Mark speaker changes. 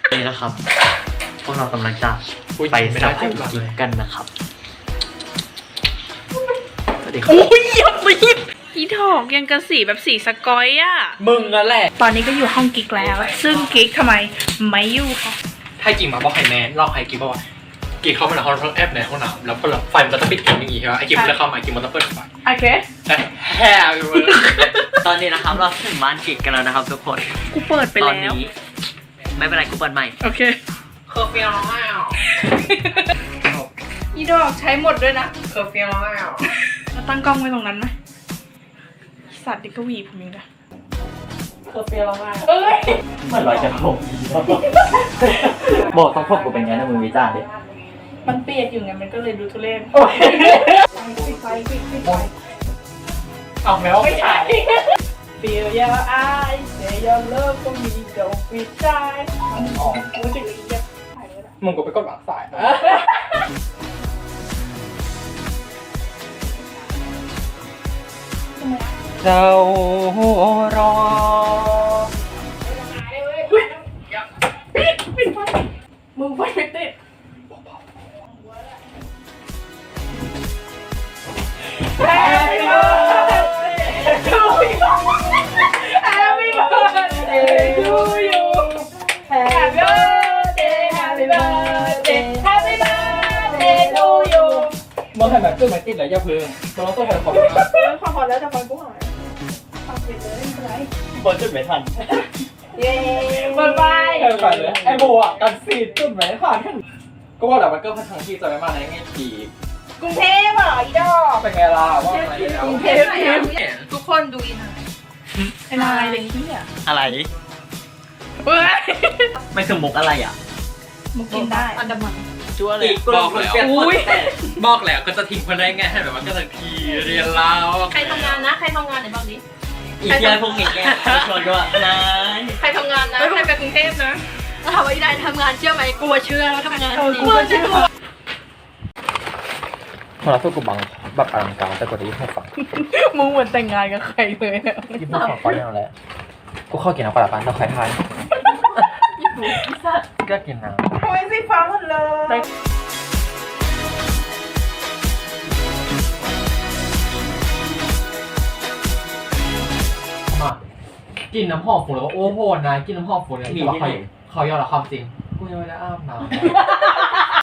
Speaker 1: นี่นะครับพวกเรากำลังจะไปสับกันนะครับสวัสดีครับ
Speaker 2: อุ้ยยังไม่อีดอกยังกระสีแบบสีสกอยอ่ะ
Speaker 3: มึงนั่นแหละ
Speaker 2: ตอนนี้ก็อยู่ห้องกิ๊กแล้ว ซึ่งกิ๊กทำไมไม่อยู่ค่ะ
Speaker 3: ถ้ากิ่งมาบอกไฮแมนเราใครกิ่งบอกว่ากิ่งเข้ามาในห้องแอปในห้องน้ำแล้วก็ไฟมันก็จะปิดกิ่งอย่างงี้ใช่ไหมไอ้กิ่งมันจะเข้ามากิ่งมันจะเปิดไฟ
Speaker 2: โอเค
Speaker 3: แต่แฮ่ไปหมดเลย
Speaker 1: ตอนนี้นะครับเราถึงบ้านกิกกันแล้วนะครับทุกคน
Speaker 2: กูเปิดไป
Speaker 1: ตอน
Speaker 2: แล้ว
Speaker 1: นี้ไม่เป็นไรกูเปิดใหม่
Speaker 2: โอเค
Speaker 3: เคอร์ฟิวแล้ว
Speaker 2: อีดอกใช้หมดด้วยนะ
Speaker 3: เคอร์ฟิวแล้ว
Speaker 2: เราตั้งกล้องไว้ตรงนั้นไหมสัตว์ดิกวีผมเองนะ
Speaker 3: เคอร์ฟิวแล้ว
Speaker 2: เอ้ย
Speaker 1: เหมือนลอยกระทงบอกต้องพบกูเป็นไงนะมึงวิจารณ์ดิ
Speaker 2: มันเปียกอยู่ไงมันก็เลยดูทุเรศปิดไฟปิดไฟ
Speaker 3: เอาแมว
Speaker 2: ไม่ใช่ Feel your eyes say your love for me don't be shy อ๋อกูจะเรียกถ่ายเลยนะ
Speaker 3: มึงก็ไปกดหลังสาย เจ้ารอ
Speaker 2: ปิดไฟมึงไฟไม่ติด Happy birthday to you Happy birthday to you Happy birthday Happy birthday Happy birthday to you
Speaker 3: มึงให้แบบเครื่องไม่ติดเลยอย่าพึ่งตัวเราต้องให้ขอบ
Speaker 2: ขอพอแล้วจะฟังกูหน่อยฟังไปเลยไม่เป็นไร
Speaker 1: เปิดจุดไม่ทัน
Speaker 2: เย้บ๊ายบาย
Speaker 3: เออไปเลยไอ้โบอ่ะกันซีดจุดไหนผ่านขึ้นก็ว่าแต่มันก็พันทางที่จะไม่มาในไงที
Speaker 2: กรุงเทพเหรออีดอก
Speaker 3: เป็นไงล่ะว่าอะไรแล้ว
Speaker 2: กรุงเทพทุกคนดูอีนะไอ้นายเลยที่อ่ะ
Speaker 1: อะไร
Speaker 2: เว้ย
Speaker 1: ไม่คือมุกอะไรอ่ะ
Speaker 2: มุกกินได้อันดามัน
Speaker 1: จั่วเลย
Speaker 3: บอกแล้วบอกแล้วก็จะทิ้งคนได้ไงให้แบบว่าก็จะทีเรียนแล้ว
Speaker 4: ใครทำงานนะ ใครทำงานไหนบอกดิ
Speaker 1: อีกเยอะพวกนี้แกชวนก็ว่านาย
Speaker 4: ใครทำงานนะ
Speaker 2: ไม่ไปกรุงเทพนะ
Speaker 4: ถามว่าอีได้ทำงานเชื่อไหมกลัวเชื่อแล้วทำงานจริง
Speaker 2: กูก็เชื่อ
Speaker 3: เราสู้กับบังแบบอลังการแต่กว่าที่ให้ฟัง
Speaker 2: มึงเหมือนแต่งงานกับใครเลยอะ
Speaker 3: ยิ่งพูดฟังเขาอย่างไรกูเข้ากินน้ำปลาปานเราใครทายก็กินน้ำ
Speaker 2: ทำไมสีฟ้าหมดเลย
Speaker 3: มากินน้ำหอมฝุ่นแล้วโอ้โหนายกินน้ำหอมฝุ่นเนี่ยที่ว่าเขายอมรับความจริงกูยังไม่ได้อาบน้ำ